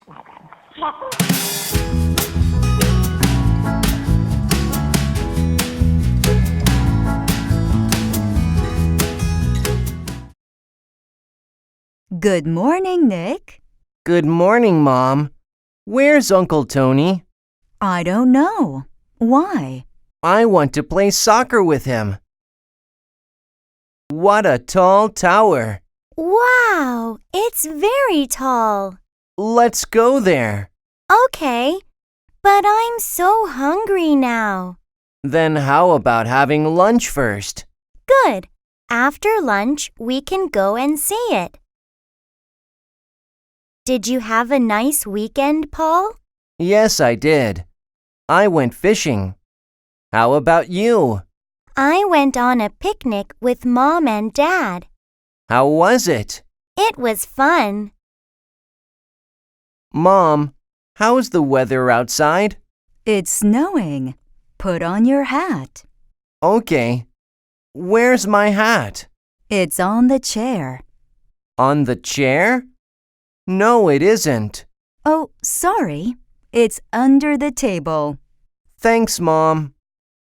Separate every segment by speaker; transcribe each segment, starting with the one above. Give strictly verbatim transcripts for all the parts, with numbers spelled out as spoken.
Speaker 1: Good morning, Nick.
Speaker 2: Good morning, Mom. Where's Uncle Tony?
Speaker 1: I don't know. Why?
Speaker 2: I want to play soccer with him. What a tall tower!
Speaker 3: Wow, it's very tall.
Speaker 2: Let's go there.
Speaker 3: Okay, but I'm so hungry now.
Speaker 2: Then how about having lunch first?
Speaker 3: Good. After lunch, we can go and see it. Did you have a nice weekend, Paul?
Speaker 2: Yes, I did. I went fishing. How about you?
Speaker 3: I went on a picnic with Mom and Dad.
Speaker 2: How was it?
Speaker 3: It was fun.
Speaker 2: Mom, how's the weather outside?
Speaker 1: It's snowing. Put on your hat.
Speaker 2: Okay. Where's my hat?
Speaker 1: It's on the chair.
Speaker 2: On the chair? No, it isn't.
Speaker 1: Oh, sorry. It's under the table.
Speaker 2: Thanks, Mom.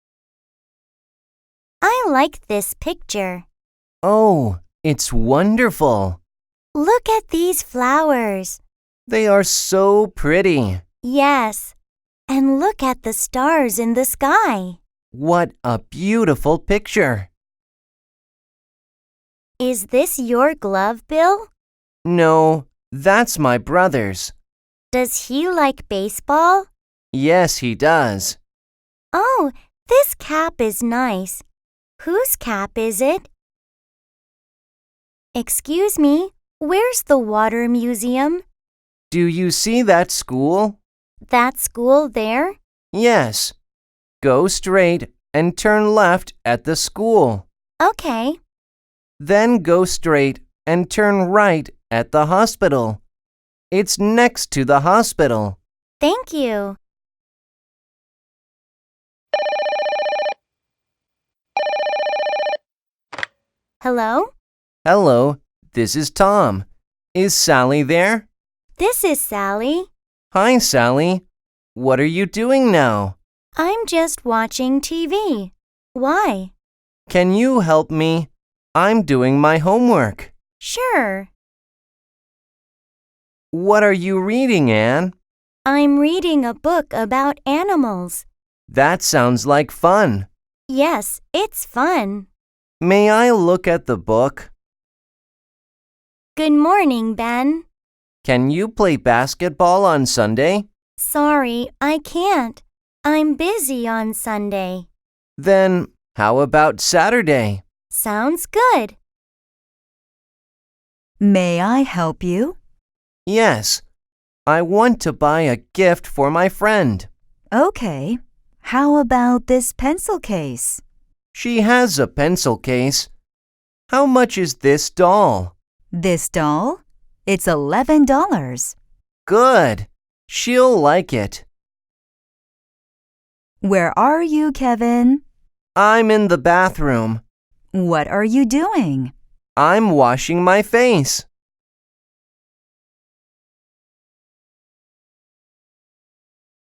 Speaker 3: I like this picture.
Speaker 2: Oh, it's wonderful.
Speaker 3: Look at these flowers.
Speaker 2: They are so pretty.
Speaker 3: Yes, and look at the stars in the sky.
Speaker 2: What a beautiful picture.
Speaker 3: Is this your glove, Bill?
Speaker 2: No, that's my brother's.
Speaker 3: Does he like baseball?
Speaker 2: Yes, he does.
Speaker 3: Oh, this cap is nice. Whose cap is it? Excuse me, where's the water museum?
Speaker 2: Do you see that school?
Speaker 3: That school there?
Speaker 2: Yes. Go straight and turn left at the school.
Speaker 3: Okay.
Speaker 2: Then go straight and turn right at the hospital. It's next to the hospital.
Speaker 3: Thank you. Hello?
Speaker 2: Hello, this is Tom. Is Sally there?
Speaker 3: This is Sally.
Speaker 2: Hi, Sally. What are you doing now?
Speaker 3: I'm just watching T V. Why?
Speaker 2: Can you help me? I'm doing my homework.
Speaker 3: Sure.
Speaker 2: What are you reading, Anne?
Speaker 3: I'm reading a book about animals.
Speaker 2: That sounds like fun.
Speaker 3: Yes, it's fun.
Speaker 2: May I look at the book?
Speaker 3: Good morning, Ben.
Speaker 2: Can you play basketball on Sunday?
Speaker 3: Sorry, I can't. I'm busy on Sunday.
Speaker 2: Then how about Saturday?
Speaker 3: Sounds good.
Speaker 1: May I help you?
Speaker 2: Yes. I want to buy a gift for my friend.
Speaker 1: Okay. How about this pencil case?
Speaker 2: She has a pencil case. How much is this doll?
Speaker 1: This doll? It's eleven dollars.
Speaker 2: Good. She'll like it.
Speaker 1: Where are you, Kevin?
Speaker 2: I'm in the bathroom.
Speaker 1: What are you doing?
Speaker 2: I'm washing my face.